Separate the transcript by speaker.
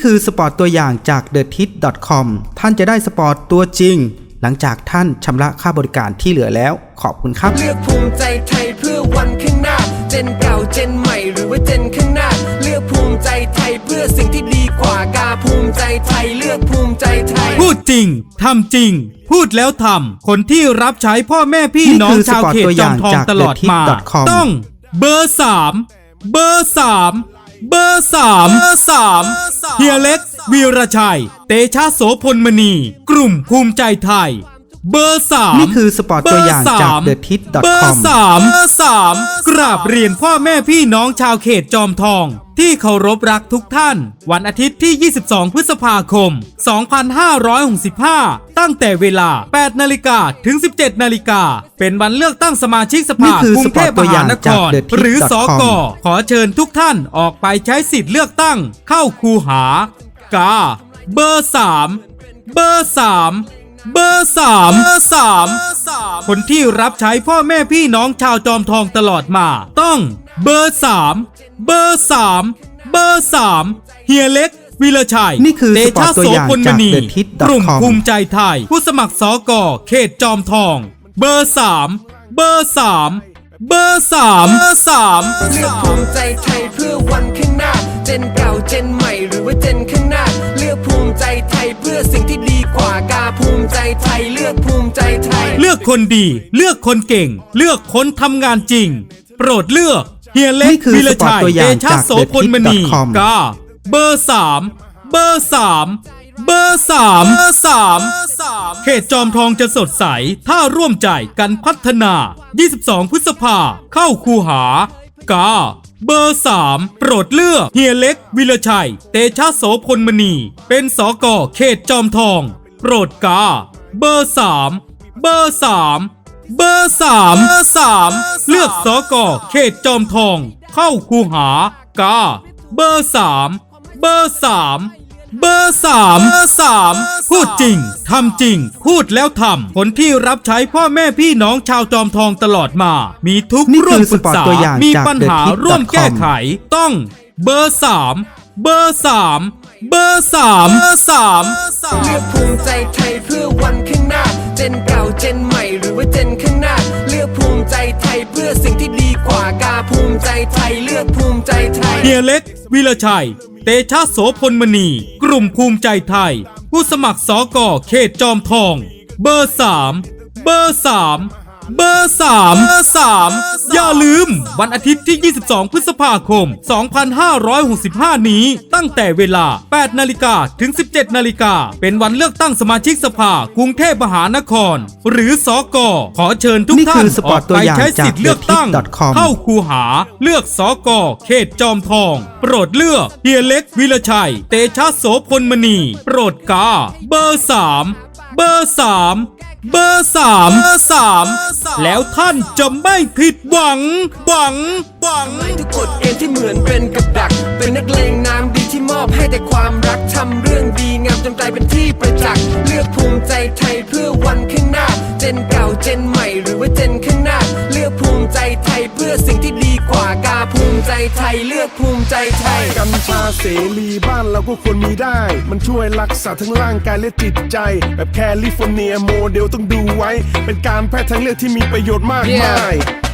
Speaker 1: คือสปอร์ตตัวอย่างจาก TheTit.com ท่านจะได้สปอร์ตตัวจริงหลังจากท่านชำระค่าบริการที่เหลือแล้วขอบคุณครับ
Speaker 2: เลือกภูมิใจไทยเพื่อวันข้างหน้าเจนเก่าเจนใหม่หรือว่าเจนข้างหน้าเลือกภูมิใจไทยเพื่อสิ่งที่ดีกว่ากาภูมิใจไทยเลือกภูมิใจไทย
Speaker 3: พูดจริงทำจริงพูดแล้วทำคนที่รับใช้พ่อแม่พี่น้องชาวเขตจอมทองตลอดมาต้องเบอร์ 3เบอร์ 3เบอร์ 3เฮียเล็กวีรชัยเตชะโสพลมณีกลุ่มภูมิใจไทยเบอร์ 3
Speaker 1: นี่คือสปอร์ตตัวอย่างจาก TheTit.com
Speaker 3: เบอร์ 3กราบเรียนพ่อแม่พี่น้องชาวเขตจอมทองที่เคารพรักทุกท่านวันอาทิตย์ที่22พฤษภาคม2565ตั้งแต่เวลา 8 นาฬิกาถึง 17 นาฬิกาเป็นวันเลือกตั้งสมาชิกสภากรุงเทพมหานครหรือสก.ขอเชิญทุกท่านออกไปใช้สิทธิ์เลือกตั้งเข้าคูหากาเบอร์ 3เบอร์ 3เบอร์ 3คนที่รับใช้พ่อแม่พี่น้องชาวจอมทองตลอดมาต้องเบอร์ 3เบอร์ 3เบอร์ 3เฮียเล็กวีรชัย
Speaker 1: นี่คือ
Speaker 3: เตชะโสพลมณี
Speaker 1: TheTit.com
Speaker 3: กลุ่มภูมิใจไทยผู้สมัครสก.เขตจอมทองเบอร์ 3เบอร์ 3เบอร์ 3
Speaker 2: เลือกภูมิใจไทยเพื่อวันข้างหน้าเจนเก่าเจนใหม่หรือว่าเจนข้างหน้าเลือกภูมิใจไทยเพื่อสิ่งที่ดีกว่ากาภูมิใจไทยเลือกภูมิใจไทย
Speaker 3: เลือกคนดีเลือกคนเก่งเลือกคนทำงานจริงโปรดเลือกเฮียเล็กวีรชัยเตชะโสพลมณีกาเบอร์ 3เบอร์ 3เบอร์ 3เขตจอมทองจะสดใสถ้าร่วมใจกันพัฒนา22พฤษภาเข้าคูหากาเบอร์ 3โปรดเลือกเฮียเล็กวีรชัยเตชะโสพลมณีเป็นสก.เขตจอมทองโปรดกาเบอร์ 3เบอร์ 3เบอร์ 3เลือกสก.เขตจอมทองเข้าคูหากาเบอร์ 3เบอร์ 3เบอร์ 3พูดจริงทำจริงพูดแล้วทำคนที่รับใช้พ่อแม่พี่น้องชาวจอมทองตลอดมามีทุกร่วมปรึกษามีปัญหาร่วมแก้ไขต้องเบอร์ 3เบอร์ 3เบอร์ 3
Speaker 2: เลือกภูมิใจไทยเพื่อวันข้างหน้าเจนเก่าเจนใหม่หรือว่าเจนข้างหน้าเลือกภูมิใจไทยเพื่อสิ่งที่ดีกว่ากาภูมิใจไทยเลือกภูมิใจไทย
Speaker 3: เฮียเล็กวีรชัยเตชะโสพลมณีกลุ่มภูมิใจไทยผู้สมัครสก.เขตจอมทองเบอร์ 3เบอร์ 3เบอร์ 3อย่าลืมวันอาทิตย์ที่22พฤษภาคม2565นี้ตั้งแต่เวลา 8 นาฬิกาถึง 17 นาฬิกาเป็นวันเลือกตั้งสมาชิกสภากรุงเทพมหานครหรือสก.ขอเชิญทุกท่านออกไปใช้สิทธิ์เลือกตั้งเข้าคูหาเลือกสก.เขตจอมทองโปรดเลือกเฮียเล็กวีรชัยเตชะโสพลมณีโปรดกาเบอร์ 3เบอร์ 3เบอร์ 3แล้วท่านจะไม่ผิดหวัง
Speaker 2: ทุกกฎเกณฑ์ที่เหมือนเป็นกับดักเป็นนักเลงน้ำดีที่มอบให้แต่ความรักทำเรื่องดีงามจนกลายเป็นที่ประจักษ์เลือกภูมิใจไทยเพื่อวันข้างหน้าเจนเก่าเจนใหม่หรือว่าเจนข้างหน้าเลือกภูมิใจไทยเพื่อสิ่งที่ดีกว่ากาภูมิใจไทยเลือกภูมิใจไทย
Speaker 4: กัญชาเสรีบ้านเราก็ควรมีได้มันช่วยรักษาทั้งร่างกายและจิตใจแบบแคลิฟอร์เนียโมเดลต้องดูไว้เป็นการแพทย์ทางเลือกที่มีประโยชน์มากมาย